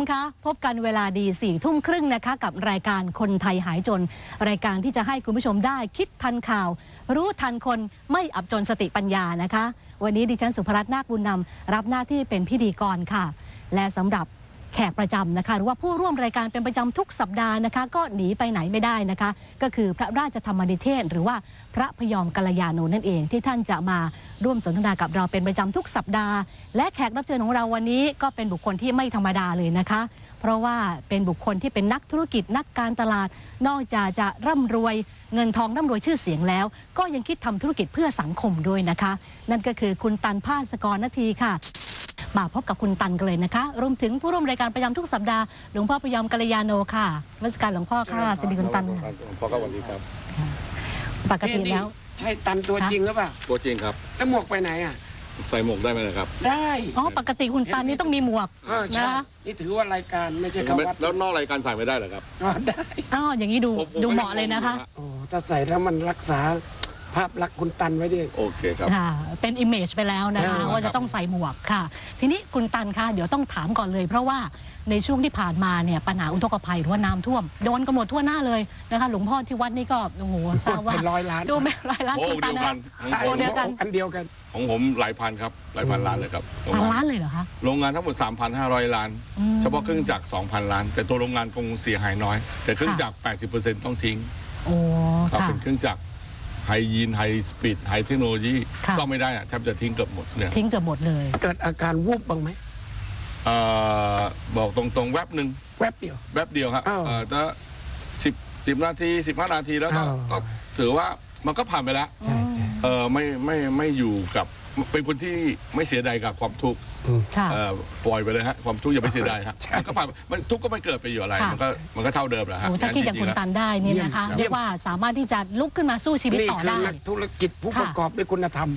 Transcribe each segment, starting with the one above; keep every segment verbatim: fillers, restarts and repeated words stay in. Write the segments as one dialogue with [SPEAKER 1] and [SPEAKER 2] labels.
[SPEAKER 1] คะพบกันเวลาดีสี่ทุ่มครึ่งนะคะกับรายการคนไทยหายจนรายการที่จะให้คุณผู้ชมได้คิดทันข่าว รู้ทันคนไม่อับจนสติปัญญานะคะวันนี้ดิฉันสุภรัตน์นาคบุญนำรับหน้าที่เป็นพิธีกรค่ะและสำหรับแขกประจำนะคะหรือว่าผู้ร่วมรายการเป็นประจำทุกสัปดาห์นะคะก็หนีไปไหนไม่ได้นะคะก็คือพระราชธรรมนิเทศหรือว่าพระพยอมกัลยาโนนั่นเองที่ท่านจะมาร่วมสนทนากับเราเป็นประจำทุกสัปดาห์และแขกรับเชิญของเราวันนี้ก็เป็นบุคคลที่ไม่ธรรมดาเลยนะคะเพราะว่าเป็นบุคคลที่เป็นนักธุรกิจนักการตลาดนอกจากจะร่ำรวยเงินทองร่ำรวยชื่อเสียงแล้วก็ยังคิดทำธุรกิจเพื่อสังคมด้วยนะคะนั่นก็คือคุณตันภาสกรนาทีค่ะมาพบกับคุณตันกันเลยนะคะรวมถึงผู้ร่วมรายการประจำทุกสัปดาห์หลวงพ่อพยอมกัลยาโนค่ะรัชการหลวงพ่อค่ะสวัสดีคุณตัน
[SPEAKER 2] หลวงพ่อครับสวัสดีครับ
[SPEAKER 1] ปกติแล้ว
[SPEAKER 3] ใช่ตันตัวจริงหรือเปล่า
[SPEAKER 2] ตัวจริงครับ
[SPEAKER 3] แล้วหมวกไปไหนอ่ะ
[SPEAKER 2] ใส่หมวกได้ไหมนะครับ
[SPEAKER 3] ได้
[SPEAKER 1] อ๋อปกติคุณตันนี่ต้องมีหมวก
[SPEAKER 3] นะนี่ถือว่ารายการไม่ใช่เขาวัด
[SPEAKER 2] แล้วนอกรายการใส่ไม่ได้เหรอครับ
[SPEAKER 3] ได้
[SPEAKER 1] อ๋ออย่างนี้ดูดูเหมาะเลยนะคะ
[SPEAKER 3] โอ้ถ้าใส่แล้วมันรักษาภาพลักษณ์คุณตันไว้ดิ
[SPEAKER 2] โอเคครับ
[SPEAKER 1] ค่ะเป็นอิมเมจไปแล้วนะคะว่าจะต้องใส่หมวกค่ะทีนี้คุณตันคะเดี๋ยวต้องถามก่อนเลยเพราะว่าในช่วงที่ผ่านมาเนี่ยปัญหาอุทกภัยหรือว่าน้ำท่วมโดนกันหมดทั่วหน้าเลยนะคะหลวงพ่อที่วัดนี่ก็โอ้โหทราบว่า
[SPEAKER 3] ร้อยล้าน
[SPEAKER 1] ดูไม่ร้อยล้านคุณตันนะ
[SPEAKER 3] โอ้เดียวกันอันเดียวกัน
[SPEAKER 2] ของผมหลายพันครับหลายพันล้านเลยครับ
[SPEAKER 1] พันล้านเลยเหรอคะ
[SPEAKER 2] โรงงานทั้งหมด สามพันห้าร้อย ล้านเฉพาะเครื่องจักร สองพัน ล้านแต่ตัวโรงงานคงเสียหายน้อยแต่เครื่องจักร แปดสิบเปอร์เซ็นต์ ต้องทิ้ง
[SPEAKER 1] โอ้ค่ะ
[SPEAKER 2] เป็นเครื่องจักรไฮยีนไฮสปีดไฮเทคโนโลยีซ่อมไม่ได้อะแทบจะทิ้งเกือบหมดเนี่ย
[SPEAKER 1] ทิ้งเกือบหมดเลย
[SPEAKER 3] เกิดอาการวูบบ้างไหม
[SPEAKER 2] เอ่อบอกตรงๆแวบหนึ่ง
[SPEAKER 3] แวบเดียว
[SPEAKER 2] แวบเดียวครับเออจะสิบสิบนาทีสิบห้านาทีแล้วก็ถือว่ามันก็ผ่านไปแล้วเออไม่ไม่ไม่อยู่กับเป็นคนที่ไม่เสียดายกับความทุกข์ปล่อยไปเลยฮะความทุกข์อย่าไปเสียดายฮะมันก็ผ่านมันทุกข์ก็ไม่เกิดไปอยู่อะไรมันก็มันก็เท่าเดิมแหละฮะ
[SPEAKER 1] ถ้าคิดอย่างคุณตันได้นี่นะคะเรียกว่าสามารถที่จะลุกขึ้นมาสู้ชีวิตต่อได้
[SPEAKER 3] นี่คือนักธุรกิจผู้ประกอบด้วยคุณธรรม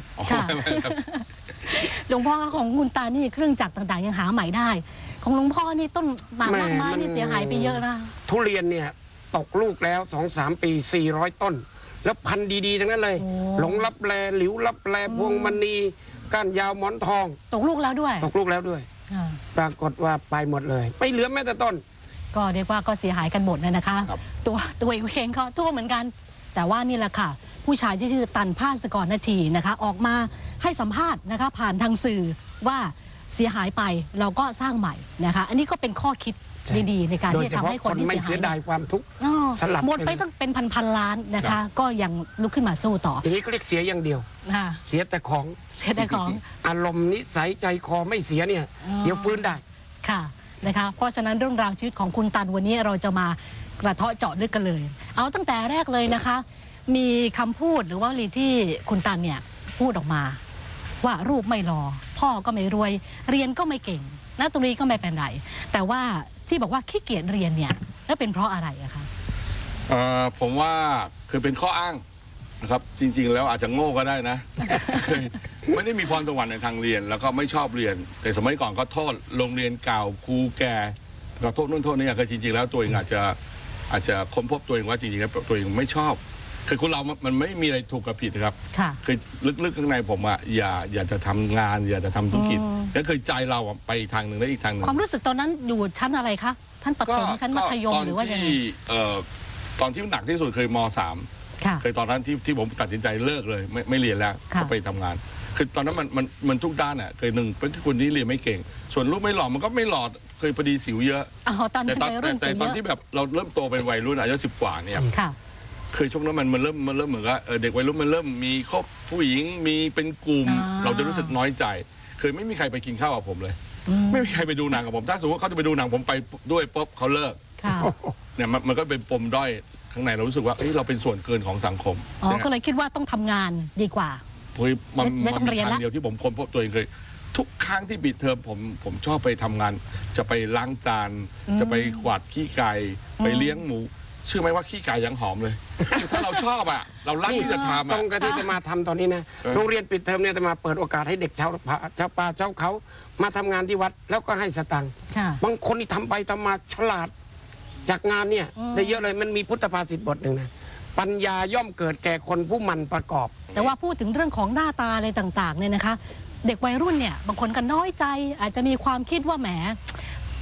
[SPEAKER 1] หลวงพ่อของคุณตานี่เครื่องจักรต่างๆยังหาใหม่ได้ของหลวงพ่อนี่ต้นหมากไม้นี่เสียหายไปเยอะนะ
[SPEAKER 3] ทุเรียนเนี่ยตกลูกแล้วสองสามปีสี่ร้อยต้นแล้วพันธุ์ดีๆทั้งนั้นเลยหลงลับแลหลิวลับแลพวงมณีก้านยาวหมอนทอง
[SPEAKER 1] ตกลูกแล้วด้วย
[SPEAKER 3] ตกลูกแล้วด้วยปรากฏว่าไปหมดเลยไม่เหลือแม้แต่ต้น
[SPEAKER 1] ก็เรียกว่าก็เสียหายกันหมดเลยนะคะตัวตัวเองเขาทั่วเหมือนกันแต่ว่านี่แหละค่ะผู้ชายที่ชื่อตันภาสกรนาทีนะคะออกมาให้สัมภาษณ์นะคะผ่านทางสื่อว่าเสียหายไปเราก็สร้างใหม่นะคะอันนี้ก็เป็นข้อคิดดีๆในการที่จะทำให้คนที่
[SPEAKER 3] เสียดายความทุกข์
[SPEAKER 1] สลับหมดไปต้องเป็นพันๆล้านนะคะก็ยังลุกขึ้นมาสู้ต่อ
[SPEAKER 3] อย่างนี้ก็เรียกเสียอย่างเดียวเสียแต่ของ
[SPEAKER 1] เสียแต่ของ
[SPEAKER 3] อารมณ์นิสัยใจคอไม่เสียเนี่ยเดี๋ยวฟื้นได้
[SPEAKER 1] ค่ะนะคะเพราะฉะนั้นเรื่องราวชีวิตของคุณตันวันนี้เราจะมากระเทาะเจาะลึกกันเลยเอาตั้งแต่แรกเลยนะคะมีคำพูดหรือว่าลีที่คุณตันเนี่ยพูดออกมาว่ารูปไม่รอพ่อก็ไม่รวยเรียนก็ไม่เก่งนักดนตรีก็ไม่เป็นไรแต่ว่าที่บอกว่าขี้เกียจเรียนเนี่ยแล้วเป็นเพราะอะไรอะคะ
[SPEAKER 2] เอ่อผมว่าคือเป็นข้ออ้างนะครับจริงๆแล้วอาจจะโง่ก็ได้นะ ไม่ได้มีพรสวรรค์ในทางเรียนแล้วก็ไม่ชอบเรียนแต่สมัยก่อนก็โทษโรงเรียนเก่าครูแก่ก็โทษนู่นโทษนี่คือจริงๆแล้วตัวเองอาจจะอาจจะค้นพบตัวเองว่าจริงๆแล้วตัวเองไม่ชอบคือคนเรามันไม่มีอะไรถูกกับผิดนะครับคือลึกๆข้างในผมอะอย่าอย่าจะทำงานอย่าจะทำธุรกิจนั่นคือใจเราไปอีกทางหนึ่งและอีกทางหนึ่ง
[SPEAKER 1] ความรู้สึกตอนนั้นอยู่ชั้นอะไรคะชั้นประถมชั้นมัธยมหรือว่ายังไง
[SPEAKER 2] ตอนที่หนักที่สุดเคยม.สามเคยตอนนั้นที่ที่ผมตัดสินใจเลิกเลยไม่ไม่เรียนแล้วก็ไปทำงานคือตอนนั้นมันมันมันทุกด้านอ่ะเคยหนึ่งเป็นคนที่เรียนไม่เก่งส่วนลูกไม่หล่อมันก็ไม่หล่อเคยพอดีสิวเยอะ
[SPEAKER 1] แต่ตอน
[SPEAKER 2] แต่ตอนที่แบบเราเริ่มโตเป็นวัยรุ่นอายุสิบกว่าเนี่ยเคยช่วงนั้นมันมันเริ่มมันเริ่มเหมือนกับเด็กวัยรุ่นมันเริ่มมีครอบผู้หญิงมีเป็นกลุ่มเราจะรู้สึกน้อยใจเคยไม่มีใครไปกินข้าวกับผมเลยไม่มีใครไปดูหนังกับผมถ้าสมมติว่าเขาจะไปดูหนังผมไปด้วยป๊บเขาเลิกเนี่ยมันก็เป็นปมด้อยข้างในเรารู้สึกว่าเราเป็นส่วนเกินของสังคม
[SPEAKER 1] อ๋อก็เลยคิดว่าต้องทำงานดีกว่า
[SPEAKER 2] มันไม่ต้องเรียนแล้วเดียวที่ผมค้นพบตัวเองเคยทุกครั้งที่ปิดเทอมผมผมชอบไปทำงานจะไปล้างจานจะไปกวาดขี้ไก่ไปเลี้ยงหมูเชื่อไหมว่าขี้ไก่ยังหอมเลยถ้าเราชอบอ่ะเรารักที่จะทำ
[SPEAKER 3] ตรงกับที่จะมาทำตอนนี้นะโรงเรียนปิดเทอมเนี่ยจะมาเปิดโอกาสให้เด็กชาวชาวป่าชาวเขามาทำงานที่วัดแล้วก็ให้สตังค์บางคนที่ทำไปทำมาฉลาดจากงานเนี่ยได้เยอะเลยมันมีพุทธภาษิตบทหนึ่งนะปัญญาย่อมเกิดแก่คนผู้มันประกอบ
[SPEAKER 1] แต่ว่าพูดถึงเรื่องของหน้าตาอะไรต่างๆเนี่ยนะคะเด็กวัยรุ่นเนี่ยบางคนก็น้อยใจอาจจะมีความคิดว่าแหม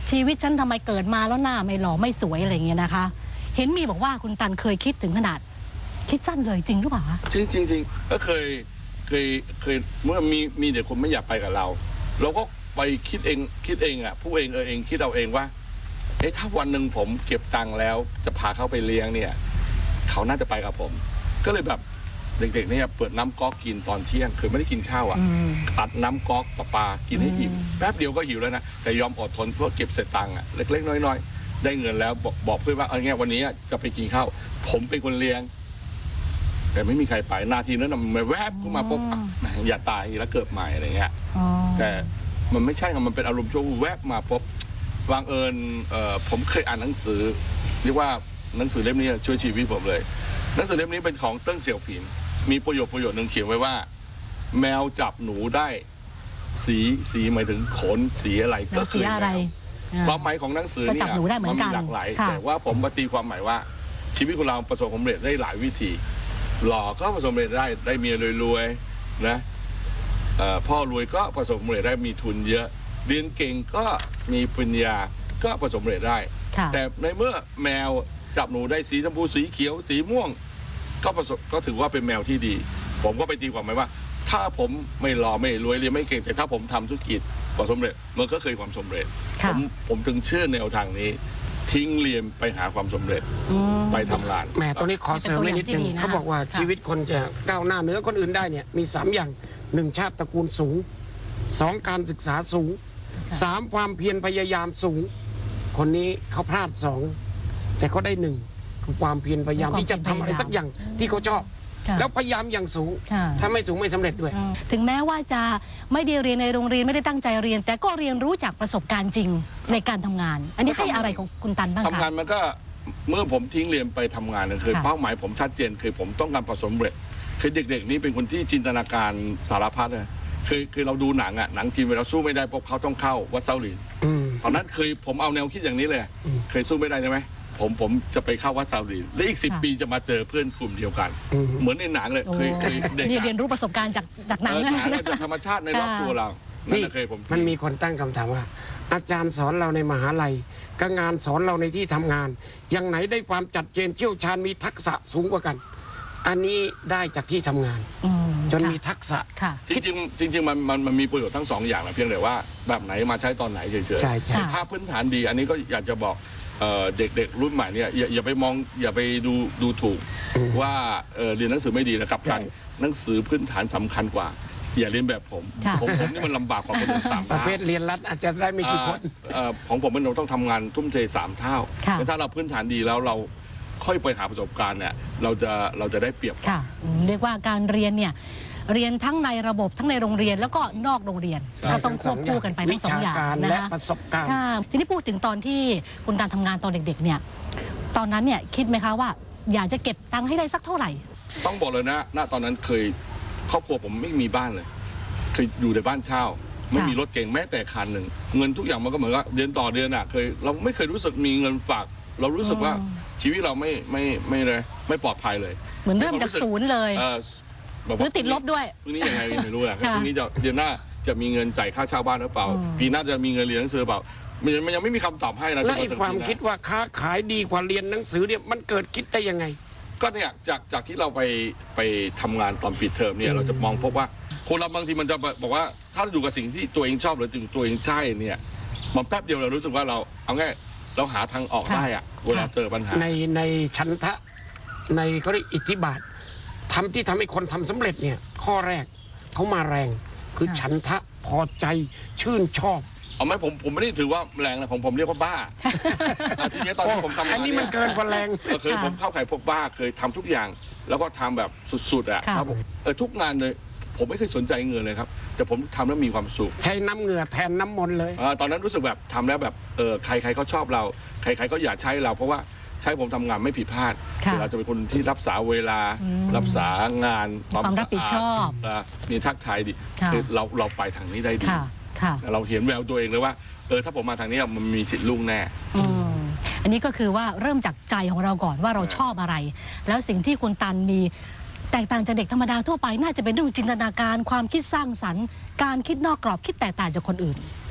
[SPEAKER 1] ชีวิตฉันทำไมเกิดมาแล้วหน้าไม่หล่อไม่สวยอะไรอย่างเงี้ยนะคะ เห็นมีบอกว่าคุณตันเคยคิดถึงขนาด คิดสั้นเลยจริงหรือเปล่าคะ
[SPEAKER 2] จริงจริงจริงก็เคยเคยเคยเมื่อมีมีเด็กคนไม่อยากไปกับเรา เราก็ไปคิดเองคิดเองอ่ะผู้เองเออเองคิดเอาเองว่าเอ๊ะถ้าวันหนึ่งผมเก็บตังค์แล้วจะพาเขาไปเลี้ยงเนี่ยเขาน่าจะไปกับผม ก็เลยแบบเด็กๆเนี่ยเปิดน้ำก๊อกกินตอนเที่ยงคือไม่ได้กินข้าวอ่ะตัดน้ำก๊อกปลาปลากินให้อิ่มแป๊บเดียวก็หิวแล้วนะแต่ยอมอดทนเพื่อเก็บเศษตังค์อ่ะเล็กๆน้อยๆได้เงินแล้วบอกบอกเพื่อนว่าเอางี้วันนี้จะไปกินข้าวผมเป็นคนเลี้ยงแต่ไม่มีใครไปนาทีนั้นมันแวบเข้ามาปุ๊บอย่าตายแล้วเกิดใหม่อะไรเงี้ยแต่มันไม่ใช่มันเป็นอารมณ์ชั่ววูบแวบมาปุ๊บวางเอิญผมเคยอ่านหนังสือเรียกว่าหนังสือเล่มนี้ช่วยชีวิตผมเลยหนังสือเล่มนี้เป็นของเติ้งเสี่ยวผินมีประโยคประโยคนึงเขียนไว้ว่าแมวจับหนูได้สีสีหมายถึงขนสีอะไรก็คืออะไรความหมายของหนังสือเนี่ยมันมีหลากหลายแต่ว่าผมปฏิความหมายว่าชีวิตของเราประสบความสำเร็จได้หลายวิธีหล่อก็ประสบความสำเร็จได้ได้เมียรวยๆนะพ่อรวยก็ประสบความสำเร็จได้มีทุนเยอะเรียนเก่งก็มีปัญญาก็ประสบความสำเร็จได้แต่ในเมื่อแมวจับหนูได้สีชมพูสีเขียวสีม่วงก็ประสบก็ถือว่าเป็นแมวที่ดีผมก็ไปตีความหมายว่าถ้าผมไม่หล่อไม่รวยเรียนไม่เก่งแต่ถ้าผมทำธุรกิจประสบความสำเร็จมันก็เคยความสำเร็จผมผมถึงเชื่อแนวทางนี้ทิ้งเรียนไปหาความสำเร็จไปทำงาน
[SPEAKER 3] แหมตรงนี้ขอเสริมนิดนึงเขาบอกว่าชีวิตคนจะก้าวหน้าเหนือคนอื่นได้เนี่ยมีสามอย่างหนึ่งชาติตระกูลสูงสองการศึกษาสูงสามความเพียรพยายามสูงคนนี้เขาพลาดสองแต่เขาได้หนึ่งคือความเพียรพยายามที่จะทำอะไรสักอย่างที่เขาชอบแล้วพยายามอย่างสูงถ้าไม่สูงไม่สำเร็จด้วย
[SPEAKER 1] ถึงแม้ว่าจะไม่ได้เรียนในโรงเรียนไม่ได้ตั้งใจเรียนแต่ก็เรียนรู้จากประสบการณ์จริงในการทำงานอันนี้ให้อะไรของคุณตันบ้างคะ
[SPEAKER 2] ทำงานมันก็เมื่อผมทิ้งเรียนไปทำงานคือเป้าหมายผมชัดเจนคือผมต้องการประสบความสำเร็จคือเด็กๆนี้เป็นคนที่จินตนาการสารพัดเลยคือคือเราดูหนังอ่ะหนังจีนเวลาสู้ไม่ได้พวกเขาต้องเข้าวัดเซาหลินตอนนั้นเคยผมเอาแนวคิดอย่างนี้เลยเคยสู้ไม่ได้ใช่ไหมผมผมจะไปเข้าวัดซาลีและอีกสิบปีจะมาเจอเพื่อนกลุ่มเดียวกันเหมือนในหนังเลยเคยเคยเด็ก
[SPEAKER 1] เรียนรู้ประสบการณ์จากจากหนัง
[SPEAKER 2] จากธรรมชาติในรอบตัวเรา
[SPEAKER 3] นี่เคยผมมันมีคนตั้งคำถามว่าอาจารย์สอนเราในมหาลัยกับงานสอนเราในที่ทำงานอย่างไหนได้ความจัดเจนเชี่ยวชาญมีทักษะสูงกว่ากันอันนี้ได้จากที่ทำงานจนมีทักษะ
[SPEAKER 2] จริงจริงจริงมันมันมันมีประโยชน์ทั้งสองอย่างนะเพียงแต่ว่าแบบไหนมาใช้ตอนไหนเฉยๆถ้าพื้นฐานดีอันนี้ก็อยากจะบอกเด็กๆรุ่นใหม่เนี่ยอย่าอย่าไปมองอย่าไปดูดูถูกว่าเรียนหนังสือไม่ดีนะครับการหนังสือพื้นฐานสำคัญกว่าอย่าเรียนแบบผมผมผมนี่มันลำบากกว่าคนอื่นสามเท่า
[SPEAKER 3] ประเภทเรียนรัดอาจจะได้ไม่กี่คน
[SPEAKER 2] ของผมมันเราต้องทำงานทุ่มเทสามเท่าแต่ถ้าเราพื้นฐานดีแล้วเราค่อยไปหาประสบการณ์เนี่ยเราจะเราจะได้เปรียบ
[SPEAKER 1] ค่ะเรียกว่าการเรียนเนี่ยเรียนทั้งในระบบทั้งในโรงเรียนแล้วก็นอกโรงเรียนก็ต้องควบคู่กันไปทั้งสองอย่าง
[SPEAKER 3] และประสบการณ์
[SPEAKER 1] ทีนี้พูดถึงตอนที่คุณตันทำงานตอนเด็กๆเนี่ยตอนนั้นเนี่ยคิดไหมคะว่าอยากจะเก็บตังค์ให้ได้สักเท่าไหร่
[SPEAKER 2] ต้องบอกเลยนะณตอนนั้นเคยครอบครัวผมไม่มีบ้านเลยเคยอยู่ในบ้านเช่าไม่มีรถเก่งแม้แต่คันหนึ่งเงินทุกอย่างมันก็เหมือนกับเดือนต่อเดือนอ่ะเคยเราไม่เคยรู้สึกมีเงินฝากเรารู้สึกว่าชีวิตเราไม่ไม่ไม่เลยไม่ปลอดภัยเลย
[SPEAKER 1] เหมือนเริ่มจากศูนย์เลยหรือติดลบด้วย
[SPEAKER 2] พรุ่งนี้ยังไงไม่รู้อ่ะพรุ่งนี้จะเดือนหน้าจะมีเงินจ่ายค่าเช่าบ้านหรือเปล่าปีหน้าจะมีเงินเรียนหนังสือเปล่ามันยังไม่มีคำตอบให้นะ
[SPEAKER 3] และไอ้ความคิดว่าค้าขายดีกว่าเรียนหนังสือเนี่ยมันเกิดคิดได้ยังไง
[SPEAKER 2] ก็เนี่ยจากจากที่เราไปไปทำงานตอนปิดเทอมเนี่ยเราจะมองพบว่าคนเราบางทีมันจะบอกว่าถ้าอยู่กับสิ่งที่ตัวเองชอบหรือถึงตัวเองใช่เนี่ยมันแป๊บเดียวเรารู้สึกว่าเราเอาง่ายเราหาทางออกได้อะเวลาเจอปัญหา
[SPEAKER 3] ในในชันทะในเขาเรียกอิทธิบาททำที่ทำให้คนทำสำเร็จเนี่ยข้อแรกเขามาแรงคือฉันทะพอใจชื่นชอบ
[SPEAKER 2] เอาไหมผมผมไม่ได้ถือว่าแรงนะผมผมเรียกว่าบ้าทีนี้ตอนที่ผมทำงาน
[SPEAKER 3] อันนี้มันเกินกว่าแรง
[SPEAKER 2] เคยผมเข้าขายพวกบ้าเคยทำทุกอย่างแล้วก็ทำแบบสุดๆอ่ะครับเออทุกงานเลยผมไม่เคยสนใจเงินเลยครับแต่ผมทำแล้วมีความสุข
[SPEAKER 3] ใช้น้ำเหงื่อแทนน้ำมนต์เลย
[SPEAKER 2] ตอนนั้นรู้สึกแบบทำแล้วแบบเออใครใครเขาชอบเราใครใครก็อยากใช้เราเพราะว่าใช้ผมทำงานไม่ผิดพลาดเราจะเป็นคนที่รักษาเวลารักษางาน
[SPEAKER 1] ความรับผิดชอบ
[SPEAKER 2] มีทักทายดีคือเราเราไปทางนี้ได้ดีเราเห็นแววตัวเองเลยว่าเออถ้าผมมาทางนี้มันมีสิทธิ์ลุ่งแน่
[SPEAKER 1] อันนี้ก็คือว่าเริ่มจากใจของเราก่อนว่าเราชอบอะไรแล้วสิ่งที่คุณตันมีแตกต่างจากเด็กธรรมดาทั่วไปน่าจะเป็นเรื่องจินตนาการความคิดสร้างสรรค์การคิดนอกกรอบคิดแตกต่างจากคนอื่น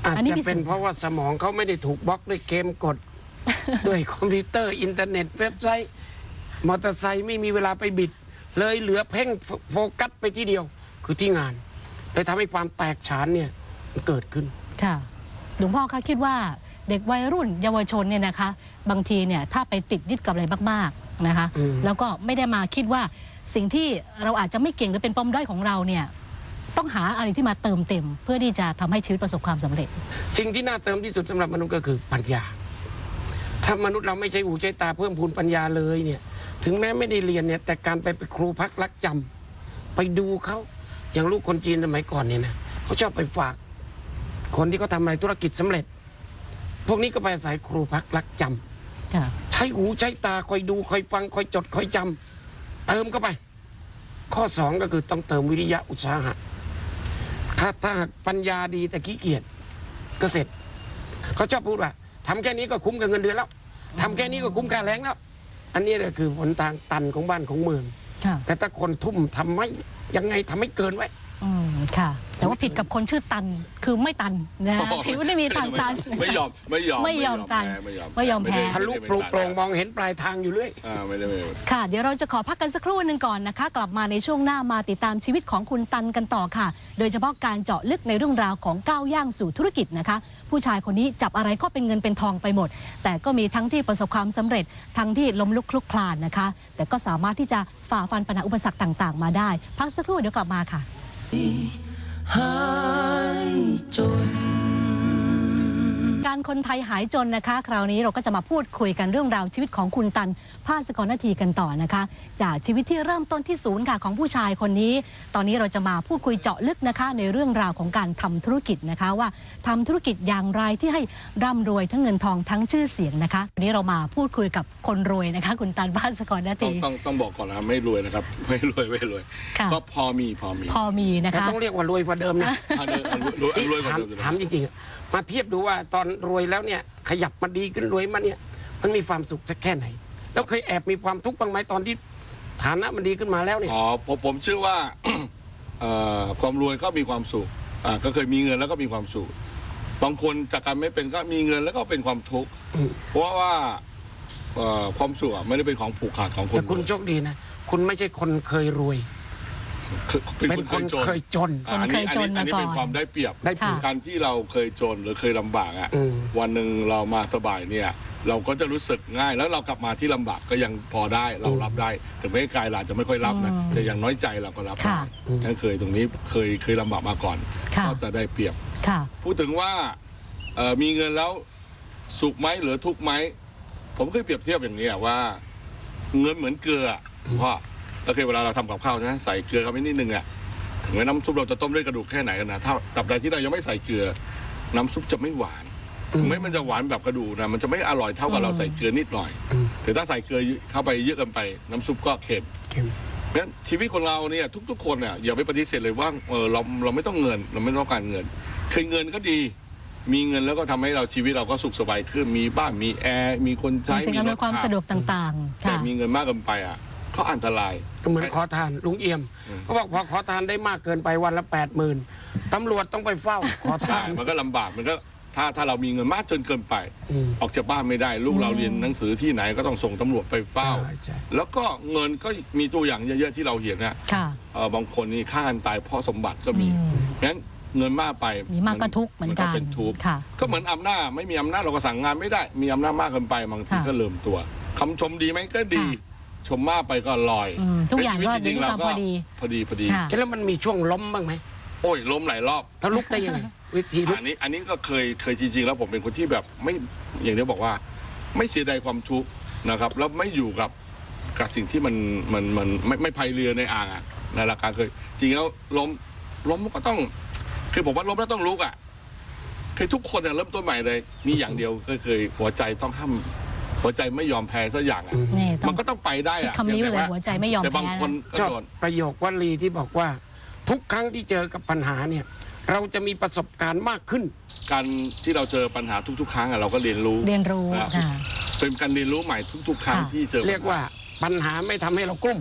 [SPEAKER 3] อาจ
[SPEAKER 1] อันนี้
[SPEAKER 3] จะ
[SPEAKER 1] พิ
[SPEAKER 3] เป็
[SPEAKER 1] สู
[SPEAKER 3] น
[SPEAKER 1] จน์
[SPEAKER 3] เพราะว่าสมองเขาไม่ได้ถูกบล็อกด้วยเกมกด ด้วยคอมพิวเตอร์อินเทอร์เน็ตเว็บไซต์ มอเตอร์ไซค์ไม่มีเวลาไปบิด เลยเหลือเพ่งโฟกัสไปที่เดียว คือที่งานเลยทำให้ความแตกฉานเนี่ยเกิดขึ้น
[SPEAKER 1] ค่ะหลวงพ่อคะคิดว่าเด็กวัยรุ่นเยาวชนเนี่ยนะคะ บางทีเนี่ยถ้าไปติดยึดกับอะไรมากๆนะคะ
[SPEAKER 3] อืม
[SPEAKER 1] แล้วก็ไม่ได้มาคิดว่าสิ่งที่เราอาจจะไม่เก่งหรือเป็นปมด้อยของเราเนี่ยต้องหาอะไรที่มาเติมเต็ม เพื่อที่จะทำให้ชีวิตประสบความสำเร็จ
[SPEAKER 3] สิ่งที่น่าเติมที่สุดสำหรับมนุษย์ก็คือปัญญา ถ้ามนุษย์เราไม่ใช่หูใช้ตาเพิ่มพูนปัญญาเลยเนี่ย ถึงแม้ไม่ได้เรียนเนี่ยแต่การไปเป็นครูพักรักจำไปดูเขาอย่างลูกคนจีนสมัยก่อนเนี่ยนะเขาชอบไปฝาก คนที่เขาทำอะไรธุรกิจสำเร็จ พวกนี้ก็ไปอาศัยครูพักรักจำ
[SPEAKER 1] ค่ะ
[SPEAKER 3] ใช้หูใช้ตาคอยดูคอยฟังคอยจดคอยจำเติมเข้าไป ข้อสองก็คือต้องเติมวิริยะอุตสาหะถ้าถ้าหากปัญญาดีแต่ขี้เกียจก็เสร็จเขาชอบพูดว่าทำแค่นี้ก็คุ้มกับเงินเดือนแล้วทำแค่นี้ก็คุ้มค่าแรงแล้ว อันนี้แหละคือหนทางตันของบ้านของเมือง
[SPEAKER 1] ค่ะ
[SPEAKER 3] แต่ถ้าคนทุ่มทำไม่ยังไงทำให้เกินไว้
[SPEAKER 1] อืมค่ะ แต่ว่าผิดกับคนชื่อตันคือไม่ตันนะ
[SPEAKER 2] โอ้โห
[SPEAKER 1] ชีวิตไม่มีทางตัน
[SPEAKER 2] ไม่ยอมไม่ยอม
[SPEAKER 1] ไม่ยอมตัน
[SPEAKER 2] แพ้ไม่ยอม
[SPEAKER 1] ไม่ยอมแพ้
[SPEAKER 3] ทะลุปลุกโปร่งมองเห็นปลายทางอยู่เรื่อย
[SPEAKER 2] อ่าไม่ได้ไม่ได้
[SPEAKER 1] ค่ะ เดี๋ยวเราจะขอพักกันสักครู่หนึ่งก่อนนะคะ กลับมาในช่วงหน้ามาติดตามชีวิตของคุณตันกันต่อค่ะ โดยเฉพาะการเจาะลึกในเรื่องราวของก้าวย่างสู่ธุรกิจนะคะ ผู้ชายคนนี้จับอะไรก็เป็นเงินเป็นทองไปหมด แต่ก็มีทั้งที่ประสบความสำเร็จ ทั้งที่ล้มลุกคลุกคลานนะคะ แต่ก็สามารถที่จะฝ่าฟันปัญหาอุปสรรคต่าง ๆ มาได้ พักสักครู่เดี๋ยวกลับมาค่ะ
[SPEAKER 4] หายจน
[SPEAKER 1] การคนไทยหายจนนะคะ คราวนี้เราก็จะมาพูดคุยกันเรื่องราวชีวิตของคุณตันภาสกรนาทีกันต่อนะคะ จากชีวิตที่เริ่มต้นที่ศูนย์ค่ะของผู้ชายคนนี้ ตอนนี้เราจะมาพูดคุยเจาะลึกนะคะ ในเรื่องราวของการทำธุรกิจนะคะ ว่าทำธุรกิจอย่างไรที่ให้ร่ำรวยทั้งเงินทองทั้งชื่อเสียงนะคะวันนี้เรามาพูดคุยกับคนรวยนะคะ คุณตันภาสกรนา
[SPEAKER 2] ต้อง
[SPEAKER 1] ที
[SPEAKER 2] ต้องต้องบอกก่อนนะไม่รวยนะครับ ไม่รวยไม่รวย
[SPEAKER 1] ค่ะ
[SPEAKER 2] ก็พอมีพอมี
[SPEAKER 1] พอมีนะ
[SPEAKER 3] แต่
[SPEAKER 1] คะ
[SPEAKER 3] ต้องเรียกว่ารวยกว่าเดิมนะ
[SPEAKER 2] อันนี้อันรวยอันรวยกว่า
[SPEAKER 3] ถาม
[SPEAKER 2] เดิมอยู่นะ
[SPEAKER 3] ถามจริงๆอะมาเทียบดูว่าตอนรวยแล้วเนี่ยขยับมาดีขึ้นรวยมาเนี่ยมันมีความสุขสักแค่ไหน แล้วเคยแอบมีความทุกข์บ้างไหมตอนที่ฐานะมันดีขึ้นมาแล้วเนี่ย
[SPEAKER 2] อ๋อผมผมเชื่อว่า เอ่อความรวยก็มีความสุขอ่าก็เคยมีเงินแล้วก็มีความสุขบางคนจากการไม่เป็นก็มีเงินแล้วก็เป็นความทุกข์
[SPEAKER 3] อืม
[SPEAKER 2] เพราะว่าเอ่อความสุขอะไม่ได้เป็นของผูกขาดของคน
[SPEAKER 3] แต่คุณโชคดีนะ คุณไม่ใช่คนเคยรวย
[SPEAKER 2] คือเป็น
[SPEAKER 3] เป็น
[SPEAKER 2] คน
[SPEAKER 3] ค
[SPEAKER 2] เคน ยจน
[SPEAKER 3] เคยจน
[SPEAKER 2] อ่าอันนี้
[SPEAKER 1] คนเคยจน
[SPEAKER 2] อันนี้
[SPEAKER 1] มาก่อน
[SPEAKER 2] เป็นความได้เปรียบ
[SPEAKER 3] ได้เปรียบ
[SPEAKER 2] การที่เราเคยจนหรือเคยลำบากอ่ะ
[SPEAKER 3] อืม
[SPEAKER 2] วันหนึ่งเรามาสบายเนี่ย เราก็จะรู้สึกง่าย แล้วเรากลับมาที่ลำบากก็ยังพอได้เรารับได้ถึงแม้กายเราจะไม่ค่อยรับนะ
[SPEAKER 1] อืม
[SPEAKER 2] แต่อย่างน้อยใจเราก็รับได้
[SPEAKER 1] ค่ะ
[SPEAKER 2] นั่นเคยตรงนี้เคยเคยลำบากมาก่อน
[SPEAKER 1] ค่ะ
[SPEAKER 2] ก็จะได้เปรียบ
[SPEAKER 1] ค่ะ
[SPEAKER 2] พูดถึงว่าเอ่อมีเงินแล้วสุขไหมหรือทุกข์ไหมผมเคยเปรียบเทียบอย่างนี้อะว่า เงินเหมือนเกลืออะเพราะโอเคเวลาเราทำกับข้าวนะใส่เกลือเข้าไปนิดนึงอ่ะถึงแม้น้ำซุปเราจะต้มด้วยกระดูกแค่ไหนกันนะถ้าตับใดที่เรายังไม่ใส่เกลือ น้ำซุปจะไม่หวานถึงแม้มันจะหวานแบบกระดูกนะมันจะไม่อร่อยเท่ากับเราใส่เกลือนิดหน่อย
[SPEAKER 3] อืม
[SPEAKER 2] แต่ถ้าใส่เกลือเข้าไปเยอะเกินไป น้ำซุปก็เค็ม
[SPEAKER 3] เข็ม
[SPEAKER 2] เพราะฉะนั้นชีวิตของเราเนี่ยทุกๆคนเนี่ยอย่าไปปฏิเสธเลยว่าเออเราเราไม่ต้องเงิน เราไม่ต้องการเงินเคยเงินก็ดี มีเงินแล้วก็ทำให้เราชีวิตเราก็สุขสบายขึ้นมีบ้านมีแอร์มีคนใช้
[SPEAKER 1] มีสิ่งอำนวยความ
[SPEAKER 2] ขับ
[SPEAKER 1] สะดวกต่างๆ
[SPEAKER 2] แต่
[SPEAKER 1] ค่ะ
[SPEAKER 2] มีเงินมากเกินไปอ่ะก็อันตราย
[SPEAKER 3] ก็เหมือนขอทานลุงเอี่ยม
[SPEAKER 2] อืม
[SPEAKER 3] เขาบอกพอขอทานได้มากเกินไปวันละแปดหมื่นตำรวจต้องไปเฝ้าขอทา
[SPEAKER 2] ใช่
[SPEAKER 3] น
[SPEAKER 2] มันก็ลำบากมันก็ถ้าถ้าเรามีเงินมากจนเกินไป
[SPEAKER 3] อืม
[SPEAKER 2] ออกจากบ้านไม่ได้ ลูกเราเรียนหนังสือที่ไหนก็ต้องส่งตำรวจไปเฝ้า
[SPEAKER 3] ใช่ใช่
[SPEAKER 2] แล้วก็เงินก็มีตัวอย่างเยอะๆที่เราเห็นนะ
[SPEAKER 1] ค่ะ
[SPEAKER 2] เออบางคนนี่ฆ่ากันตายเพราะสมบัติก็มี
[SPEAKER 1] อืม
[SPEAKER 2] งั้นเงินมากไป
[SPEAKER 1] มีมากก็ทุกข์เหมือนกัน
[SPEAKER 2] เป็นทุกข์
[SPEAKER 1] ค่ะ
[SPEAKER 2] ก็เหมือนอำนาจไม่มีอำนาจเราก็สั่งงานไม่ได้ มีอำนาจมากเกินไปบางที
[SPEAKER 1] ค่ะ
[SPEAKER 2] ก็เริ่มตัวคำชมดีไหมก็ดี
[SPEAKER 1] ค่ะ
[SPEAKER 2] ชมมากไปก็ลอย
[SPEAKER 1] อืมทุกอย่างก็
[SPEAKER 2] ในชีวิตจริงๆ
[SPEAKER 1] ดี
[SPEAKER 2] เรา
[SPEAKER 1] ตาม
[SPEAKER 2] ก็
[SPEAKER 1] พอดี
[SPEAKER 2] พอดีพอดี
[SPEAKER 1] ค่ะ
[SPEAKER 3] แล้วมันมีช่วงล้มบ้างไหม
[SPEAKER 2] โอ้ยล้มหลายรอบ
[SPEAKER 3] แล้วลุกได้ยังไง วิธีลุก
[SPEAKER 2] อันนี้อันนี้ก็เคยเคยจริงๆ แล้วผมเป็นคนที่แบบไม่อย่างที่บอกว่า ไม่เสียดายความทุกข์นะครับ แล้วไม่อยู่กับกับสิ่งที่มันมันมันไม่ไม่พายเรือในอ่างอ่ะในหลักการเคย จริงแล้วล้มล้มก็ต้อง คือผมว่าล้มแล้วต้องลุกอ่ะคือทุกคนเนี่ยเริ่มต้นใหม่เลย มีอย่างเดียวก็เคยหัวใจต้องห้ามหัวใจไม่ยอมแพ้สักอย่างอ่ะ
[SPEAKER 3] อืม
[SPEAKER 1] นี่ต้อ
[SPEAKER 2] มั
[SPEAKER 1] ง
[SPEAKER 2] นก็ต้องไปได้
[SPEAKER 1] คิด
[SPEAKER 2] อ่ะ
[SPEAKER 1] คำนี้ไว้เลย
[SPEAKER 2] แต่า
[SPEAKER 1] หัวใจไม่ยอม
[SPEAKER 2] แต่บาง
[SPEAKER 1] แพ้
[SPEAKER 2] คน
[SPEAKER 1] นะ
[SPEAKER 3] ชอบ
[SPEAKER 2] โดน
[SPEAKER 3] ประโยควลีที่บอกว่า ทุกครั้งที่เจอกับปัญหาเนี่ย เราจะมีประสบการณ์มากขึ้น
[SPEAKER 2] การที่เราเจอปัญหาทุก ๆ ครั้งอ่ะเราก็เรียนรู้
[SPEAKER 1] เรียนรู้
[SPEAKER 2] ครับ
[SPEAKER 1] ค่ะ
[SPEAKER 2] เป็นการเรียนรู้ใหม่ทุก ๆ ครั้ง
[SPEAKER 1] ค่ะ
[SPEAKER 2] ที่เจอ
[SPEAKER 3] เรียกว่าปัญหาไม่ทำให้เรากลุ้ม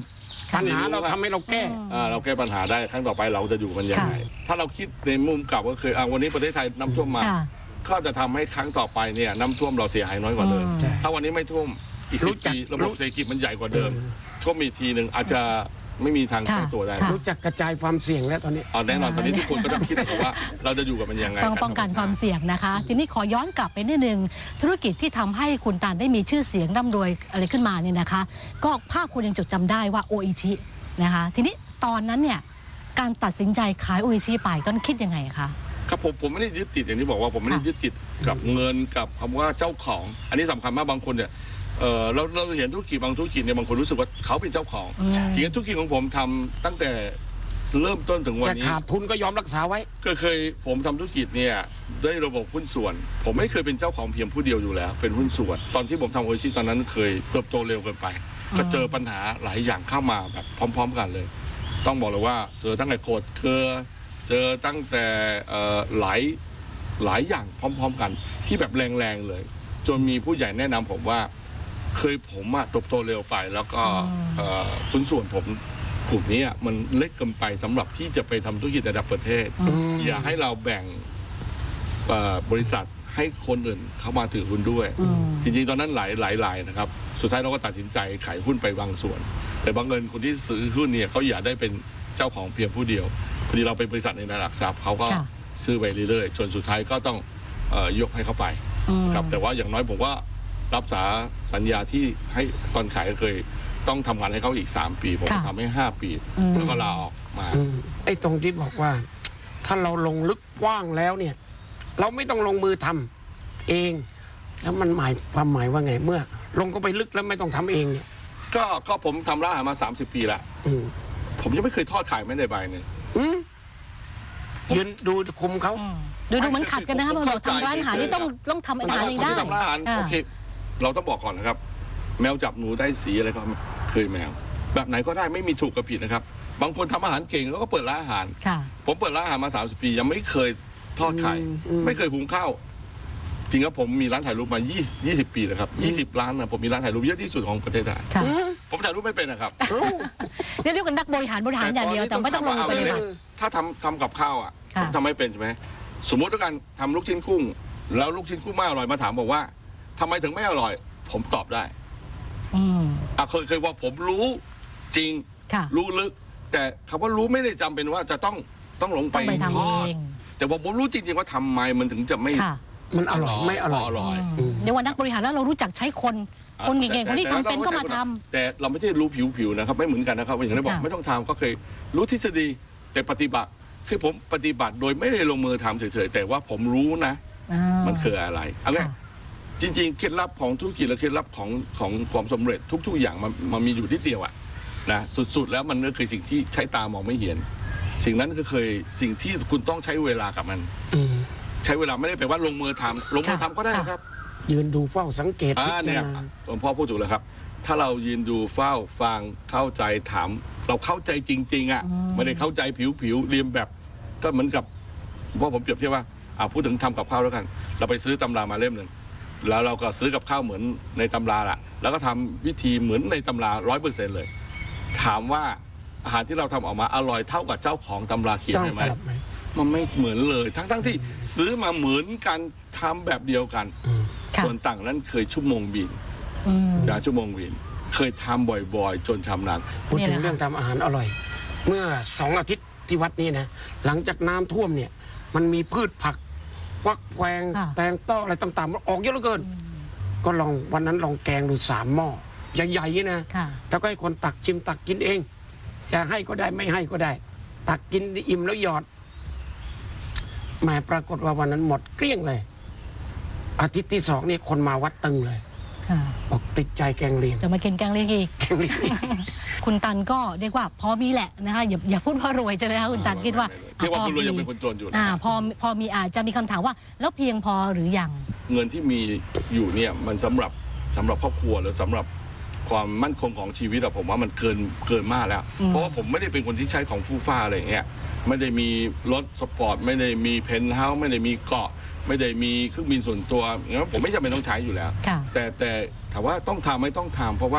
[SPEAKER 3] ปัญหาเราทำให้เราแก้
[SPEAKER 2] อ่าเราแก้ปัญหาได้ครั้งต่อไปเราจะอยู่กันยังไงถ้าเราคิดในมุมกลับก็คืออ่าวันนี้ประเทศไทยน้ำท่วมมา
[SPEAKER 1] ค่ะ
[SPEAKER 2] ก็จะทำให้ครั้งต่อไปเนี่ยน้ำท่วมเราเสียหายน้อยกว่าเดิม
[SPEAKER 1] อืม
[SPEAKER 2] ถ้าวันนี้ไม่ท่วมอีก
[SPEAKER 3] รู้
[SPEAKER 2] สิบ
[SPEAKER 3] จัก
[SPEAKER 2] ปีระบบเศรษฐกิจมันใหญ่กว่าเดิม
[SPEAKER 3] เออ
[SPEAKER 2] ท่วมอีกทีหนึ่งอาจจะไม่มีทาง
[SPEAKER 1] ค่ะ
[SPEAKER 2] แก้ตัวได้
[SPEAKER 1] ค่ะ
[SPEAKER 3] รู้จักกระจายความเสี่ยงแล้วตอนนี้
[SPEAKER 2] เอาแน่นอนตอนนี้ทุกคนก็ต้องคิดนะครับว่าเราจะอยู่กับมันยังไง
[SPEAKER 1] ต้องป้องกันความเสี่ยงนะคะ ทีนี้ขอย้อนกลับไปนิดนึงธุรกิจที่ทำให้คุณตาลได้มีชื่อเสียงร่ำรวยอะไรขึ้นมาเนี่ยนะคะ ก็ภาคคุณยังจดจำได้ว่าโออิชินะคะ ทีนี้ตอนนั้นเนี่ยการตัดสินใจขายโออิชิไปตอนนนคิดยังไงคะ
[SPEAKER 2] ครับผมผมไม่ได้ยึดติดอย่างที่บอกว่าผมไม่ได้
[SPEAKER 1] ค่ะ
[SPEAKER 2] ยึดติดกับเงินกับคำว่าเจ้าของ อันนี้สำคัญมากบางคนเนี่ยเออเราเราเห็นธุรกิจบางธุรกิจเนี่ยบางคนรู้สึกว่าเขาเป็นเจ้าของ
[SPEAKER 1] อืม
[SPEAKER 2] จริงๆธุรกิจของผมทำตั้งแต่เริ่มต้นถึงวัน
[SPEAKER 3] จะ
[SPEAKER 2] นี้
[SPEAKER 3] ขาดทุนก็ยอมรักษาไว้
[SPEAKER 2] ก็เคยผมทำธุรกิจเนี่ยได้ระบบหุ้นส่วน ผมไม่เคยเป็นเจ้าของเพียงผู้เดียวอยู่แล้ว เป็นหุ้นส่วน ตอนที่ผมทำโอชิตอนนั้นเคยเติบโตเร็วเกินไป ก็เจอปัญหาหลายอย่างเข้ามาแบบพร้อม ๆ กันเลย ต้องบอกเลยว่าเจอตั้งแต่โกดเครือเจอตั้งแต่เอ่อหลายหลายอย่างพร้อม ๆ กัน ที่แบบแรงๆเลย จนมีผู้ใหญ่แนะนำผมว่า เคยผมอะเติบโตเร็วไป แล้วก็เอ่อหุ้นส่วนผมกลุ่มนี้อะมันเล็กเกินไปสำหรับที่จะไปทำธุรกิจระดับประเทศ
[SPEAKER 1] อืม
[SPEAKER 2] อย่าให้เราแบ่งเอ่อบริษัทให้คนอื่นเข้ามาถือหุ้นด้วย
[SPEAKER 1] อืม
[SPEAKER 2] จริงๆ ตอนนั้นหลายหลายรายนะครับ สุดท้ายเราก็ตัดสินใจขายหุ้นไปบางส่วน แต่บางเงินคนที่ซื้อหุ้นเนี่ยเขาอยากได้เป็นเจ้าของเพียงผู้เดียวพอดีเราเป็นบริษัทในระดับทรัพย์เขาก็
[SPEAKER 1] ค่ะ
[SPEAKER 2] ซื้อไปเรื่อยๆจนสุดท้ายก็ต้องเอ่อยกให้เขาไป
[SPEAKER 1] อืม
[SPEAKER 2] ครับแต่ว่าอย่างน้อยผมก็รับสาสัญญาที่ให้ตอนขายก็เคยต้องทำงานให้เขาอีก สาม ปี ผมก็
[SPEAKER 1] ค่ะ
[SPEAKER 2] ทำให้ห้าปี
[SPEAKER 1] อืม
[SPEAKER 2] แล้วก็ลาออกมา
[SPEAKER 3] อืมไอ้ตรงที่บอกว่า ถ้าเราลงลึกกว้างแล้วเนี่ย เราไม่ต้องลงมือทำเอง แล้วมันหมายความหมายว่าไงเมื่อ ลงก็ไปลึกแล้วไม่ต้องทำเองเนี่ย
[SPEAKER 2] ก็ก็ผมทำร้านอาหารมา สามสิบ ปีแล้ว
[SPEAKER 3] อืม
[SPEAKER 2] ผมยังไม่เคยทอดขายไม่ได้ใบหนึ่ง
[SPEAKER 3] อืมยืนดูคุมเขา
[SPEAKER 1] อืมดูดูเหมือนขัดกันนะคะ
[SPEAKER 2] ผม
[SPEAKER 1] บาง
[SPEAKER 2] เข้า
[SPEAKER 1] คน
[SPEAKER 2] ใจ
[SPEAKER 1] ทำร้านอาหารนี่ต้องต้องทำอาหารเองได้
[SPEAKER 2] คนที่ทำร้านอาหาร
[SPEAKER 1] ค่ะ
[SPEAKER 2] โอเคเราต้องบอกก่อนนะครับ แมวจับหนูได้สีอะไรก็เคยแมว แบบไหนก็ได้ไม่มีถูกกับผิดนะครับ บางคนทำอาหารเก่งแล้วก็เปิดร้านอาหาร
[SPEAKER 1] ค่ะ
[SPEAKER 2] ผมเปิดร้านอาหารมา สามสิบ ปี ยังไม่เคยทอดไข่
[SPEAKER 3] อืมอืม
[SPEAKER 2] ไม่เคยหุงข้าวจริงครับผมมีร้านถ่ายรูปมายี่สิบ ยี่สิบ ปีแล้วครับยี่สิบร้านนะผมมีร้านถ่ายรูปเยอะที่สุดของประเทศไทย
[SPEAKER 1] ค่ะ
[SPEAKER 3] อืม
[SPEAKER 2] ผมถ่ายรูปไม่เป็นนะครับ
[SPEAKER 1] เรียกว่านักบริหารบริหารอย่างเดียวแต่ไม่ต้องลงมือปฏิบัติ
[SPEAKER 2] ถ้าทำทำกับข้าวอ่ะ
[SPEAKER 1] ค่ะ
[SPEAKER 2] ผมทำไม่เป็นใช่ไหมสมมติด้วยกันทำลูกชิ้นกุ้ง แล้วลูกชิ้นกุ้งไม่อร่อยมาถามบอกว่าทำไมถึงไม่อร่อย ผมตอบได้
[SPEAKER 1] อืม
[SPEAKER 2] อ่ะเคยเคยว่าผมรู้จริง
[SPEAKER 1] ค่ะ
[SPEAKER 2] รู้ลึก แต่คำว่ารู้ไม่ได้จำเป็นว่าจะต้องต้องลงไป
[SPEAKER 1] ต้องไปทำ
[SPEAKER 2] ทอด
[SPEAKER 1] เอง
[SPEAKER 2] แต่ว่าผมรู้จริงๆว่าทำไมมันถึงจะไม่
[SPEAKER 1] ค่ะ
[SPEAKER 3] มันอร่อยไม่อร่อย
[SPEAKER 2] อร่อย
[SPEAKER 1] อืมเดี๋ยววันนักบริหารแล้วเรารู้จักใช้คน คนเก่งๆคนที่ทำเป็นก็มาทำ
[SPEAKER 2] แต่เราไม่ใช่รู้ผิวๆนะครับไม่เหมือนกันนะครับอย่างที่บอก
[SPEAKER 1] ค่ะ
[SPEAKER 2] ไม่ต้องทำก็เคยรู้ทฤษฎีแต่ปฏิบัติคือผมปฏิบัติโดยไม่ได้ลงมือทำเฉยๆแต่ว่าผมรู้นะ
[SPEAKER 1] อ่า
[SPEAKER 2] มันคืออะไรเอาไง
[SPEAKER 1] ค่ะ
[SPEAKER 2] จริงๆเคล็ดลับของธุรกิจและเคล็ดลับของของความสำเร็จทุก ๆ อย่างมันมันมีอยู่ที่เดียวอะนะสุดๆแล้วมันก็คือสิ่งที่ใช้ตามองไม่เห็น สิ่งนั้นก็เคยสิ่งที่คุณต้องใช้เวลากับมัน
[SPEAKER 3] อืม
[SPEAKER 2] ใช้เวลาไม่ได้แปลว่าลงมือทำลงมือทำก็ได้
[SPEAKER 1] ค่ะ
[SPEAKER 2] นะครับ
[SPEAKER 3] ยืนดูเฝ้าสังเกต
[SPEAKER 2] อ่าเนี่ย
[SPEAKER 3] พิจารณา
[SPEAKER 2] หลวงพ่อพูดถูกแล้วครับ ถ้าเรายืนดูเฝ้าฟังเข้าใจถาม เราเข้าใจจริง ๆ อ่ะ
[SPEAKER 1] อืม
[SPEAKER 2] ไม่ได้เข้าใจผิวๆเรียนแบบ ก็เหมือนกับเพราะผมเปรียบเทียบว่าอ่าพูดถึงทำกับข้าวแล้วกัน เราไปซื้อตำรามาเล่มหนึ่งแล้วเราก็ซื้อกับข้าวเหมือนในตำราละแล้วก็ทำวิธีเหมือนในตำราร้อยเปอร์เซ็นต์เลย ถามว่าอาหารที่เราทำออกมาอร่อยเท่ากับเจ้าของตำราเขียน
[SPEAKER 3] ต้อง
[SPEAKER 2] ใช่ไหม
[SPEAKER 3] ตลับไหม
[SPEAKER 2] มันไม่เหมือนเลย ทั้งๆที่ซื้อมาเหมือนกันทำแบบเดียวกัน
[SPEAKER 3] อืม
[SPEAKER 1] ค่ะ
[SPEAKER 2] ส่วนต่างนั้นเคยชั่วโมงบิน
[SPEAKER 1] อืม
[SPEAKER 2] จากชั่วโมงบิน เคยทำบ่อยๆ จนชำนาญ
[SPEAKER 3] พูด
[SPEAKER 1] นี่
[SPEAKER 3] ถึ
[SPEAKER 1] แห
[SPEAKER 3] ง
[SPEAKER 1] ละ
[SPEAKER 3] เรื่องทำอาหารอร่อย เมื่อสองอาทิตย์ที่วัดนี้นะ หลังจากน้ำท่วมเนี่ย มันมีพืชผักฟักแฟง
[SPEAKER 1] ค่ะ
[SPEAKER 3] แตงต้ออะไรต่างๆออกเยอะเหลือเกิน ก็ลองวันนั้นลองแกงดูสามหม้อใหญ่ๆนะ
[SPEAKER 1] ค่ะ
[SPEAKER 3] แล้วก็ให้คนตักชิมตักกินเอง จะให้ก็ได้ไม่ให้ก็ได้ ตักกินอิ่มแล้วหยอดแหมปรากฏว่าวันนั้นหมดเกลี้ยงเลย อาทิตย์ที่สองนี่คนมาวัดตึงเลย
[SPEAKER 1] ค่ะ
[SPEAKER 3] บอกติดใจแกงเลียง
[SPEAKER 1] จะมากินแกงเลียงอีก
[SPEAKER 3] แกงเลียง
[SPEAKER 1] คุณตันก็เรียกว่าพอมีแหละนะคะอย่าอย่าพูดว่ารวยใช่ไหมคะคุณตันคิดว่า
[SPEAKER 2] เรียกว่าคุณรวยยัง
[SPEAKER 1] พอมี
[SPEAKER 2] เป็นคนจนอยู่นะ
[SPEAKER 1] อ่าพอพอมีอาจจะมีคำถามว่า แล้วเพียงพอหรือยัง
[SPEAKER 2] เงินที่มีอยู่เนี่ยมันสำหรับสำหรับครอบครัวหรือสำหรับความมั่นคงของชีวิตอะผมว่ามันเกินเกินมากแล้ว
[SPEAKER 1] อืม
[SPEAKER 2] เพราะว่าผมไม่ได้เป็นคนที่ใช้ของฟู่ฟ้าอะไรอย่างเงี้ยไม่ได้มีรถสปอร์ตไม่ได้มีเพนท์เฮาส์ไม่ได้มีเกาะ ไม่ได้มีเครื่องบินส่วนตัวอย่างนั้นผมไม่จำเป็นต้องใช้อยู่แล้ว
[SPEAKER 1] ค่ะ
[SPEAKER 2] แต่แต่ถามว่าต้องทำไหม่ต้องทำเพราะว่า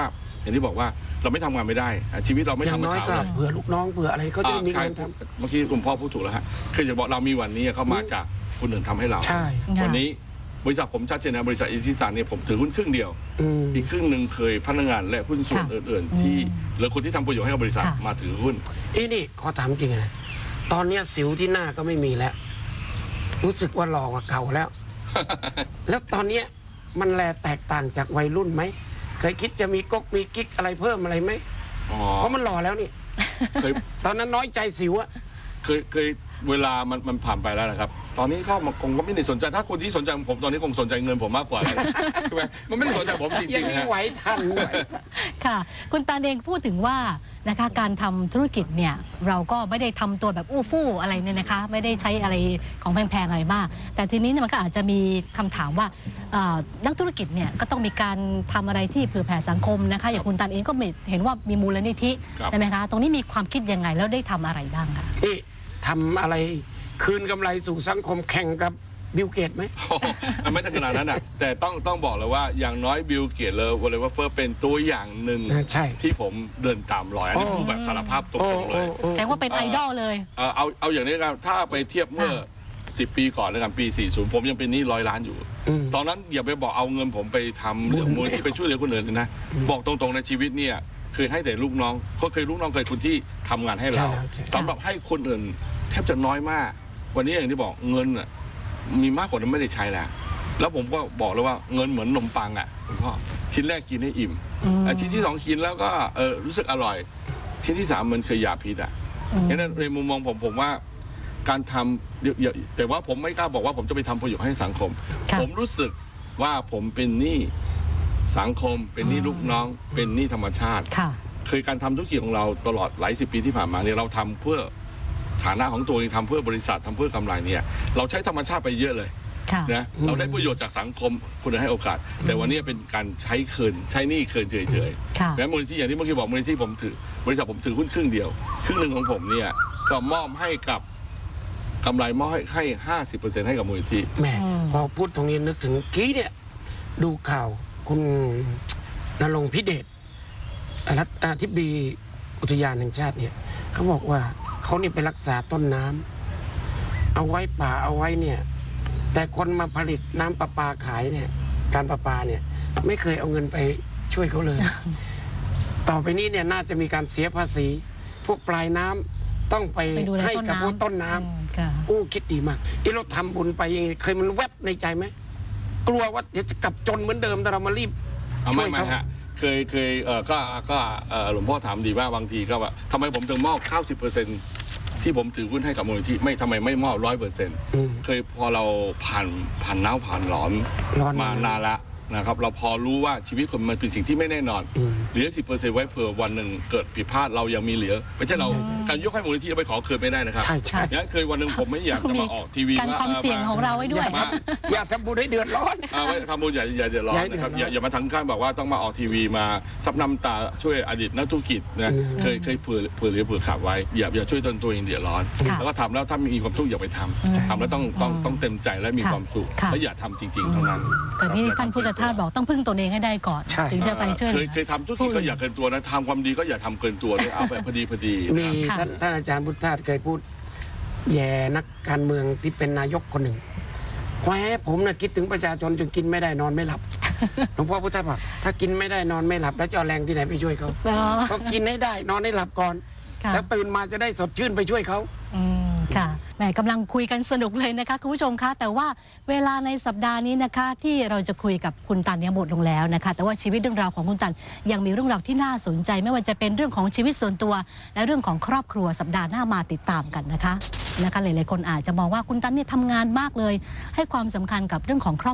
[SPEAKER 2] อย่างที่บอกว่าเราไม่ทำงานไม่ได้อ่ะชีวิตเราไม่
[SPEAKER 3] อย่า
[SPEAKER 2] ทำ
[SPEAKER 3] ง
[SPEAKER 2] เมื่
[SPEAKER 3] น้
[SPEAKER 2] อ
[SPEAKER 3] อย
[SPEAKER 2] เช้า
[SPEAKER 3] ก็
[SPEAKER 2] เลย
[SPEAKER 3] เผื่อลูกน้องเผื่ออะไรเขาจะได้มี
[SPEAKER 2] ใช่
[SPEAKER 3] เงินท
[SPEAKER 2] เมื่อกี้คุณพ่อพูดถูกแล้วฮะคือจะบอกเรามีวันนี้เขามาจากคนอื่นทำให้เรา
[SPEAKER 3] ำใช่
[SPEAKER 2] วันนี้บริษัทผมชัดเจนนะบริษัทอิชิตันเนี่ยผมถือหุ้นครึ่งเดียว
[SPEAKER 3] อืม
[SPEAKER 2] อีกครึ่งหนึ่งเคยพนักงานและหุ้นส่วน
[SPEAKER 1] ค่ะ
[SPEAKER 2] อื่นๆ ที่หรือคนที่ทำประโยชน์ให้กับบริษัท
[SPEAKER 1] ค่ะ
[SPEAKER 2] มาถือหุ้น
[SPEAKER 3] อีนี่ขอถามจริงนะตอนเนี้ยสิวที่หน้าก็ไม่มีแล้ว รู้สึกว่าหล่อกว่าเก่าแล้ว แล้วตอนเนี้ยมันแลแตกต่างจากวัยรุ่นไหมเคยคิดจะมีก๊กมีกิ๊กอะไรเพิ่มอะไรไหม
[SPEAKER 2] อ๋อ
[SPEAKER 3] เพราะมันหล่อแล้วนี่
[SPEAKER 2] เคย
[SPEAKER 3] ตอนนั้นน้อยใจสิวอะ
[SPEAKER 2] เคยเคยเวลามันมันผ่านไปแล้วนะครับ ตอนนี้ก็มันคงก็ไม่ได้สนใจถ้าคนที่สนใจผมตอนนี้คงสนใจเงินผมมากกว่า ใช่ไหมมันไม่ได้สนใจผมจ
[SPEAKER 3] ยั
[SPEAKER 2] ริ
[SPEAKER 3] ง
[SPEAKER 2] งๆ
[SPEAKER 3] มี
[SPEAKER 2] นะฮะ
[SPEAKER 3] ไหวทันไหวทัน
[SPEAKER 1] ค่ะ คุณตาเองพูดถึงว่านะคะการทำธุรกิจเนี่ยเราก็ไม่ได้ทำตัวแบบอู้ฟู่อะไรเนี่ยนะคะ ไม่ได้ใช้อะไรของแพงๆอะไรมาก แต่ทีนี้เนี่ยมันก็อาจจะมีคำถามว่าเอ่อนักธุรกิจเนี่ยก็ต้องมีการทำอะไรที่เผื่อแผ่สังคมนะคะอย่างคุณตาเองก็มีเห็นว่ามีมูลนิธิ
[SPEAKER 2] ครับ
[SPEAKER 1] ใช่ไหมคะตรงนี้มีความคิดยังไงแล้วได้ทำอะไรบ้างคะ
[SPEAKER 3] นี่ทำอะไรคืนกำไรสู่สังคมแข่งกับบิลเกตไหม
[SPEAKER 2] โอ้โหมันไม่ถึงขนาดนั้นนะแต่ต้องต้องบอกเลยว่าอย่างน้อยบิลเกตเลยวอลเลย์เฟอร์เป็นตัวอย่างหนึ่ง
[SPEAKER 3] ใช่
[SPEAKER 2] ที่ผมเดินตามรอยอันนี้
[SPEAKER 3] โอ้
[SPEAKER 2] ผมแบบสารภาพตรงๆเลย
[SPEAKER 1] แต่ว่าเป็นไอดอลเลย
[SPEAKER 2] เอ่อเอาเอาอย่างนี้กันถ้าไปเทียบเมื่อ สิบ ปีก่อนแล้วกันปี สี่สิบ ผมยังเป็นหนี้ร้อยล้านอยู่
[SPEAKER 3] อืม
[SPEAKER 2] ตอนนั้นอย่าไปบอกเอาเงินผมไปทำเรื่องมูลที่ไปช่วยเหลือคนอื่นเลยนะ บอกตรงๆในชีวิตเนี่ยเคยให้แต่ลูกน้องเขาเคยลูกน้องเคยคนที่ทำงานให้เรา
[SPEAKER 3] ใช่ครับใช่
[SPEAKER 2] สำหรับให้คนอื่นแทบจะน้อยมาก วันนี้อย่างที่บอกเงินน่ะมีมากกว่านั้นไม่ได้ใช้แล้ว แล้วผมก็บอกเลยว่าเงินเหมือนนมปังอ่ะคุณพ่อชิ้นแรกกินให้อิ่ม
[SPEAKER 1] อืม
[SPEAKER 2] อ่ะชิ้นที่สองกินแล้วก็เออรู้สึกอร่อย ชิ้นที่สามมันคือยาพิษอ่ะ
[SPEAKER 1] อืม
[SPEAKER 2] งั้นในมุมมองผมผมว่าการทำเยอะๆแต่ว่าผมไม่กล้าบอกว่าผมจะไปทำประโยชน์ให้สังคม
[SPEAKER 1] ค่ะ
[SPEAKER 2] ผมรู้สึกว่าผมเป็นหนี้สังคม เป็นหนี้ลูกน้อง เป็นหนี้ธรรมชาติ
[SPEAKER 1] ค่ะ
[SPEAKER 2] เคยการทำธุรกิจของเราตลอดหลายสิบปีที่ผ่านมาเนี่ยเราทำเพื่อฐานะของตัวเองทำเพื่อบริษัททำเพื่อกำไรเนี่ยเราใช้ธรรมชาติไปเยอะเลย
[SPEAKER 1] ค่ะ
[SPEAKER 2] นะเราได้ประโยชน์จากสังคมคุณให้โอกาส แต่วันนี้เป็นการใช้คืนใช้หนี้คืนเฉยๆ
[SPEAKER 1] ค่ะ
[SPEAKER 2] แม้มูลนิธิอย่างที่เมื่อกี้บอกมูลนิธิผมถือบริษัทผมถือหุ้นครึ่งเดียว ครึ่งหนึ่งของผมเนี่ยก็มอบให้กับกำไรมอบให้ให้ห้าสิบเปอร์เซ็นต์ให้กับมูลนิธิ
[SPEAKER 3] แหม่
[SPEAKER 1] อืม
[SPEAKER 3] พอพูดตรงนี้นึกถึงกี้เนี่ย ดูข่าวคุณณรงค์พิเดชรัฐอธิบดีอุทยานแห่งชาติเนี่ยเขาบอกว่าเขานี่ไปรักษาต้นน้ำเอาไว้ป่าเอาไว้เนี่ย แต่คนมาผลิตน้ำประปาขายเนี่ย การประปาเนี่ย ไม่เคยเอาเงินไปช่วยเขาเลย ต่อไปนี้เนี่ยน่าจะมีการเสียภาษี พวกปลายน้ำต้องไป
[SPEAKER 1] ไปดูแล
[SPEAKER 3] ให้
[SPEAKER 1] ต้น
[SPEAKER 3] กับ
[SPEAKER 1] น้ำ
[SPEAKER 3] พวกต้นน้ำ
[SPEAKER 1] อืมค่ะ
[SPEAKER 3] อู้คิดดีมากอีเราทำบุญไปยังไงเคยมันแวบในใจไหมกลัวว่าเดี๋ยวจะกลับจนเหมือนเดิมแต่เรามารีบ
[SPEAKER 2] เอา
[SPEAKER 3] ช่
[SPEAKER 2] ไม่
[SPEAKER 3] วย
[SPEAKER 2] ไม่
[SPEAKER 3] เขา
[SPEAKER 2] ฮะเคยเคยเออก็ก็เอ่อหลวงพ่อถามดีว่าบางทีก็ว่าทำไมผมถึงมอบเก้าสิบเปอร์เซ็นต์ที่ผมถือหุ้นให้กับมูลนิธิไม่ทำไมไม่มอบร้อยเปอร์เซ็นต์
[SPEAKER 3] อืม
[SPEAKER 2] เคยพอเราผ่านผ่านหนาวผ่านร้อน
[SPEAKER 3] ร้อน
[SPEAKER 2] มานานละนะครับเราพอรู้ว่าชีวิตคนมันเป็นสิ่งที่ไม่แน่นอน
[SPEAKER 3] อืม
[SPEAKER 2] เหลือสิบเปอร์เซ็นต์ไว้เผื่อวันหนึ่งเกิดผิดพลาดเรายังมีเหลือไม่ใช่เราการยกให้มูลนิธิเราไปขอคืนไม่ได้นะครับ
[SPEAKER 3] ใช่ใช่
[SPEAKER 2] อย่างนั้นเคยวันหนึ่งผมไม่อยากจะ
[SPEAKER 1] มี
[SPEAKER 2] มาออกทีวี
[SPEAKER 1] การความเสี่ยงของเราไว้ด้วย
[SPEAKER 2] มา
[SPEAKER 3] อย่าทำบุญให้เดือดร้อน
[SPEAKER 2] เอาไว้ทำบุญอย่าอย่าเดือดร้อนนะครับอย่าอย่ามาทั้งขั้นบอกว่าต้องมาออกทีวีมาซับน้ำตาช่วยอดีตนักธุรกิจนะ
[SPEAKER 3] อืม
[SPEAKER 2] เคยเคยเผื่อเผื่อเหลือเผื่อขาดไว้อย่าอย่าช่วยตนตัวเองเดือดร้อน
[SPEAKER 1] ค่ะ
[SPEAKER 2] แล้วก็ทำแล้วถ้ามีความทุกข์อย่าไปท
[SPEAKER 1] อืม
[SPEAKER 2] ำทำแล้วต้องต้องต้องเต็มใจและมี
[SPEAKER 1] ค่ะ
[SPEAKER 2] ความสุข
[SPEAKER 1] ค่ะ
[SPEAKER 2] และอย่าทำจริง ๆ เท่านั้น
[SPEAKER 1] แต่ที่ท่านพุทธทาสบอกต้องพึ่งตนเองให้ได้ก่อน
[SPEAKER 3] ใช่
[SPEAKER 1] ถึงจะไปช่วย
[SPEAKER 2] เค
[SPEAKER 1] เหลื
[SPEAKER 2] ย
[SPEAKER 1] อ
[SPEAKER 2] เคยทำธุรกิจก็อย่าเกินตัวนะทำความดีก็อย่าทำเกินตัวด้วยเอาแบบพอดีพอดี
[SPEAKER 3] มี
[SPEAKER 2] นะ
[SPEAKER 1] ค่ะ
[SPEAKER 3] ท่านท่านอาจารย์พุทธทาสเคยพูด แย่นักการเมืองที่เป็นนายกคนหนึ่งแหวผมนะคิดถึงประชาชนจนกินไม่ได้นอนไม่หลับ หลวงพ่อพุทธทาสบอกถ้ากินไม่ได้นอนไม่หลับ แล้วจะเอาแรงที่ไหนไปช่วยเขา
[SPEAKER 1] อ๋อ
[SPEAKER 3] ก็กินให้ได้นอนให้หลับก่อน
[SPEAKER 1] ค่ะ
[SPEAKER 3] แล้วตื่นมาจะได้สดชื่นไปช่วยเขา
[SPEAKER 1] อืมค่ะแหมกำลังคุยกันสนุกเลยนะคะคุณผู้ชมคะแต่ว่าเวลาในสัปดาห์นี้นะคะที่เราจะคุยกับคุณตันเนี่ยหมดลงแล้วนะคะแต่ว่าชีวิตเรื่องราวของคุณตันยังมีเรื่องราวที่น่าสนใจ ไม่ว่าจะเป็นเรื่องของชีวิตส่วนตัว และเรื่องของครอบครัวสัปดาห์หน้ามาติดตามกันนะคะนะคะหลายๆคนอาจจะมองว่าคุณตันเนี่ยทำงานมากเลย ให้ความสำคัญกับเรื่องของครอบ